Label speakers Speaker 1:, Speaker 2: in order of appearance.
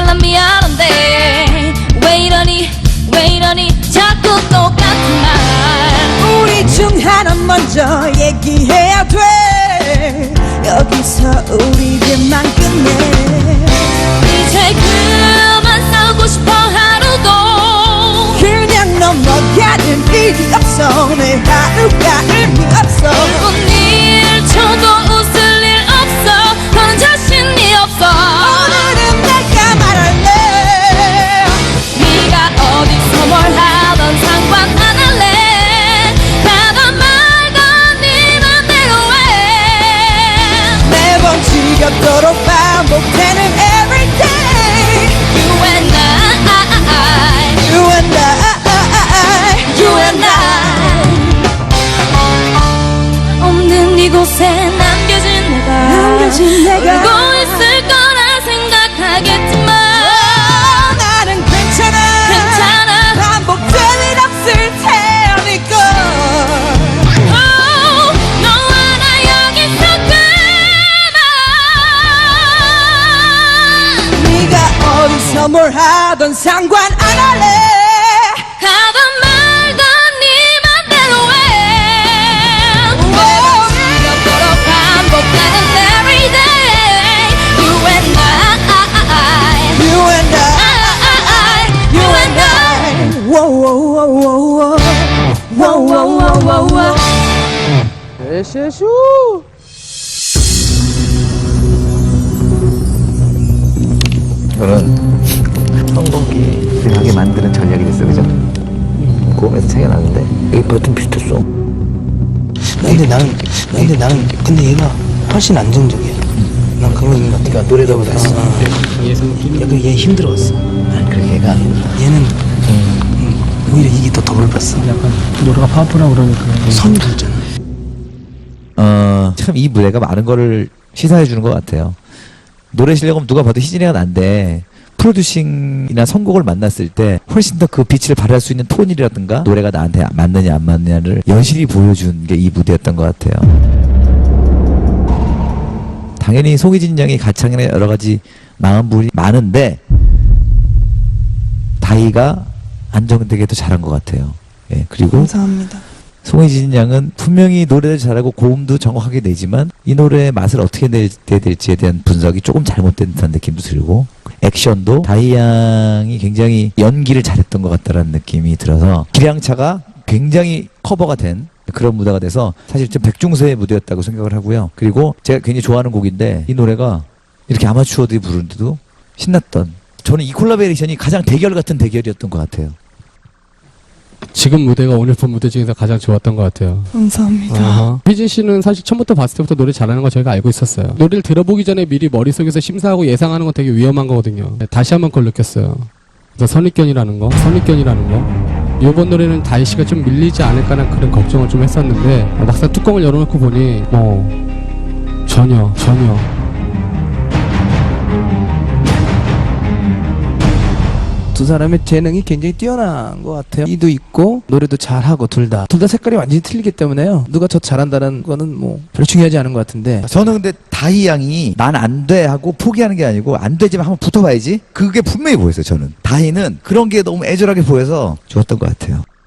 Speaker 1: 난 미안한데 왜 이러니 자꾸 똑같은 말.
Speaker 2: 우리 중 하나 먼저 얘기해야 돼. 여기서 우리들만 끝내.
Speaker 1: 이제 그만 싸우고 싶어 하루도.
Speaker 2: 그냥 넘어가는 일이 없어. 내 하루가 의미 없어.
Speaker 1: 1분 1초도 웃을 일 없어. 넌 자신이 없어.
Speaker 2: 오늘은 내가 말할래.
Speaker 1: 네가 어디서 뭘 하던 상관 안 할래. 가던 말던 네 맘대로 해.
Speaker 2: 매번 지겹도록 반복되는 everyday.
Speaker 1: You and I,
Speaker 2: You and I,
Speaker 1: you and I. 없는 이곳에 남겨진 내가 울고 있을 거라 생각하겠지만
Speaker 2: 나는 괜찮아. 반복될 일 없을 테니까.
Speaker 1: 너와 나 여기서 그만.
Speaker 2: 네가 어디서 뭘 하던 상관 안 할래.
Speaker 1: 가던 말던 네 맘대로 해. 매번 지겹도록 반복되는 everyday. You and I,
Speaker 2: You and I,
Speaker 1: you and I.
Speaker 2: Whoa.
Speaker 3: 에쇼.
Speaker 4: 이거는 성공기하게 만드는 전략이 됐어, 그죠? 고음에서 차이가 나는데 여기 버튼 비슷했어.
Speaker 3: 근데 얘가 훨씬 안정적이야. 난 그런 거 있는 것 같아.
Speaker 4: 그러니까 노래다 보다 했어.
Speaker 3: 약간 얘 힘들어왔어.
Speaker 4: 아니, 그렇게 얘가
Speaker 3: 얘는 오히려 이게 더 더블봤어.
Speaker 5: 약간 노래가 파워풀하고 그러니까
Speaker 3: 선이 굵잖아.
Speaker 4: 참 이 무대가 많은 거를 시사해 주는 것 같아요. 노래 실력은 누가 봐도 희진이가 난데 프로듀싱이나 선곡을 만났을 때 훨씬 더 그 빛을 발할 수 있는 톤이라든가 노래가 나한테 맞느냐 안 맞느냐를 여실히 보여준 게 이 무대였던 것 같아요. 당연히 송희진 양이 가창이나 여러 가지 나은 부분이 많은데 다희가 안정되게 더 잘한 것 같아요. 예, 그리고
Speaker 3: 감사합니다.
Speaker 4: 송혜진 양은 분명히 노래를 잘하고 고음도 정확하게 내지만 이 노래의 맛을 어떻게 내야 될지에 대한 분석이 조금 잘못된 듯한 느낌도 들고 액션도 다희 양이 굉장히 연기를 잘했던 것 같다라는 느낌이 들어서 기량차가 굉장히 커버가 된 그런 무대가 돼서 사실 좀 백중세의 무대였다고 생각을 하고요. 그리고 제가 굉장히 좋아하는 곡인데 이 노래가 이렇게 아마추어들이 부르는데도 신났던, 저는 이 콜라보레이션이 가장 대결 같은 대결이었던 것 같아요.
Speaker 5: 지금 무대가 오늘 본 무대 중에서 가장 좋았던 것 같아요.
Speaker 3: 감사합니다.
Speaker 5: 희진 씨는 사실 처음부터 봤을 때부터 노래 잘하는 거 저희가 알고 있었어요. 노래를 들어보기 전에 미리 머릿속에서 심사하고 예상하는 건 되게 위험한 거거든요. 다시 한번 그걸 느꼈어요. 그래서 선입견이라는 거. 이번 노래는 다희 씨가 좀 밀리지 않을까라는 그런 걱정을 좀 했었는데 막상 뚜껑을 열어놓고 보니 전혀
Speaker 3: 두 사람의 재능이 굉장히 뛰어난 것 같아요. 이도 있고 노래도 잘하고 둘 다 색깔이 완전히 틀리기 때문에요. 누가 더 잘한다는 거는 뭐 별로 중요하지 않은 것 같은데
Speaker 4: 저는 근데 다희 양이 난 안 돼 하고 포기하는 게 아니고 안 되지만 한번 붙어봐야지, 그게 분명히 보였어요. 저는 다희는 그런 게 너무 애절하게 보여서 좋았던 것 같아요.